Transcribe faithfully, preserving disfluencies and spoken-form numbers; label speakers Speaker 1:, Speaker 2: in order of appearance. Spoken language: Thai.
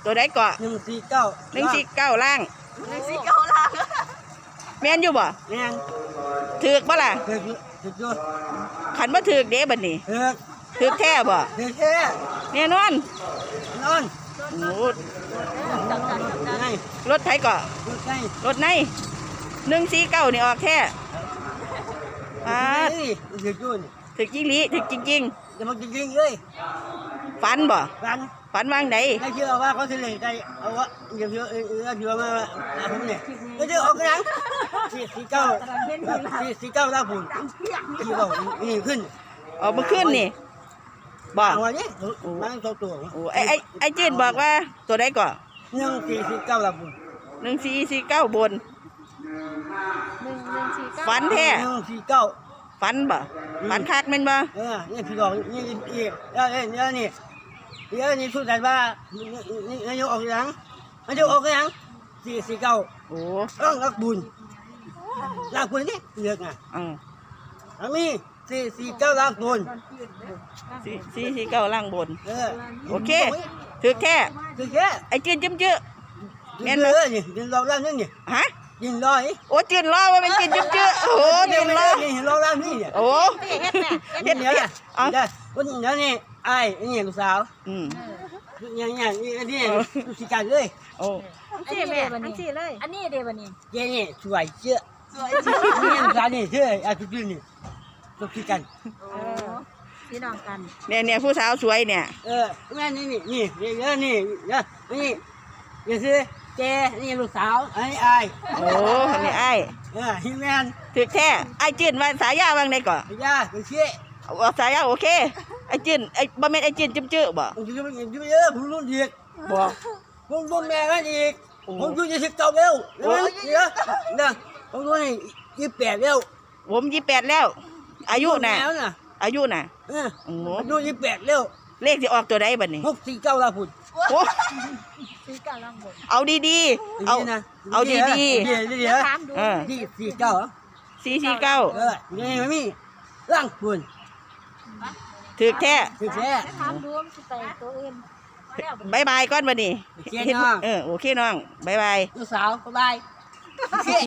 Speaker 1: ตัวใดเกาะ
Speaker 2: หนึ่งสี่เก้า
Speaker 1: หนึ่งสี่เก้าล่าง
Speaker 3: หนึ่งสี่เก้าล่าง
Speaker 1: แม่นอยู่บ่
Speaker 2: แม่น
Speaker 1: ถือกบ่ล่ะ
Speaker 2: ถือถือจุด
Speaker 1: ขันบ่ถือกเด้บัดนี้
Speaker 2: ถือ
Speaker 1: ถือกแท้บ่
Speaker 2: ถือแค่
Speaker 1: แน่นอน
Speaker 2: นอน
Speaker 1: โอ้รถไถเกาะ
Speaker 2: รถไง
Speaker 1: รถในหนึ่งสี่เก้านี่ออกแท้อ่า
Speaker 2: ถือจุด
Speaker 1: ถือกจริงหลีถือกจริง
Speaker 2: จะมาจริงๆเลย
Speaker 1: ๆฝันบ่
Speaker 2: ฝัน
Speaker 1: ฝันวางใด
Speaker 2: ไม่เชื่อว่าเขาจะเล่นใจเอาวะเดี๋ยวเชื่อเออเชื่อมาผมเนี่ยไม่เชื่อออกกันสี่สี่เก้าสี่สี่เก้าล่าฝุ่นที่บอกนี่ขึ้น
Speaker 1: ออกมาขึ้นนี่บอก
Speaker 2: วันนี้มันตัวตัว
Speaker 1: โอ้ไอไอไอจีนบอกว่าตัวใดก่อน
Speaker 2: หนึ่งสี่สี่เก้าล่าฝุ่น
Speaker 1: หนึ่งสี่สี่เก้าบนฝันแท้
Speaker 2: หนึ่งสี่เก้า
Speaker 1: ฝันบ่ฝันคักแม่นบ่
Speaker 2: เออนี่พี่บอกนี่อีกแล้วนี่แล้วนี่แล้วนี่สุดแต่ว่านี่นายกออกยังนายกออกยังสี่สี่เก้า
Speaker 1: โอ้
Speaker 2: ต้องรักบุญรักบุญนี่เลือกไง
Speaker 1: อืม
Speaker 2: อันนี้สี่สี่เก้ารักบุญ
Speaker 1: สี่สี่สี่เก้าล่างบน
Speaker 2: เออ
Speaker 1: โอเคถือแค่
Speaker 2: ถือแค่
Speaker 1: ไอจีนจิ้มจื้อ
Speaker 2: แม่นเลยนี่ยินรอแล้วนี่นี่
Speaker 1: ฮะ
Speaker 2: ยินรอไอ้
Speaker 1: โอ้จีนรอว่าเป็นจีนจิ้มจื้อโอ้จีนรอ
Speaker 2: นี่รอแล้วนี่เนี่ย
Speaker 1: โอ้
Speaker 2: เฮ็ดเนี่ยเอาได้วันนี้นี่ไอ้นี่ลูกสาว
Speaker 1: อืม
Speaker 2: เนี่ยเนี่ยนี่นี่ลูกศิษย์เลย
Speaker 1: โอ้
Speaker 3: อันนี้แม่อันนี้เลยอันนี้เดี๋ยววันนี้
Speaker 2: เจ๊นี่สวยเจ้าสวยจริงนี่ลูกสาวนี่เชื่ออาจุดนี่ลูกศิษย์กัน
Speaker 3: พี่น้องกัน
Speaker 1: เนี่ยเนี่ยผู้สาวสวยเนี่ย
Speaker 2: เออแม่นี่นี่นี่นี่นี่นี่นี่นี่คือเจ๊นี่ลูกสาวไอ้ไอ้
Speaker 1: โอ้นี่ไอ้
Speaker 2: เออฮิแมน
Speaker 1: ถือแท้ไอ้จีนว่าสายยาว่างไหนก่อน
Speaker 2: สายยาโอเค
Speaker 1: เอาสายยาโอเคไอ้จีนไอ้บ่แม่นไอ้จีนจิ้มจื้อบ่
Speaker 2: ผมจะไปเยอะผมรุ่นอีก
Speaker 1: บอก
Speaker 2: ผมรุ่นแม่กันอีกผมรุ่นยี่สิบเก้าแล้วเดี๋ยวเดี๋ยวนะผมรุ่นยี่สิบแปดแล้ว
Speaker 1: ผมยี่สิบแปดแล้วอายุน่ะอายุน่ะ
Speaker 2: เอออายุยี่สิบแปดแล้ว
Speaker 1: เลขสิออกตัวใดบัดนี้
Speaker 2: หกสี่เก้าล่ะพุ่น
Speaker 1: โอ้
Speaker 3: สี่เก้าล่างบน
Speaker 1: เอาดีๆเอาเอาดีๆ
Speaker 2: เดี๋ยวเดี๋ยวเออสี่สี่เก้า
Speaker 1: สี่สี่เก้า
Speaker 2: เออนี่ไม่มีล่างพุ่น
Speaker 1: ถือแท้
Speaker 2: ถือแท้
Speaker 3: ถามดูมันใส่ตัวอื่น
Speaker 1: บายบายก่อนบัดนี้
Speaker 2: เออ
Speaker 1: โอเคน้องบายบาย
Speaker 2: ลูกสาวบายบาย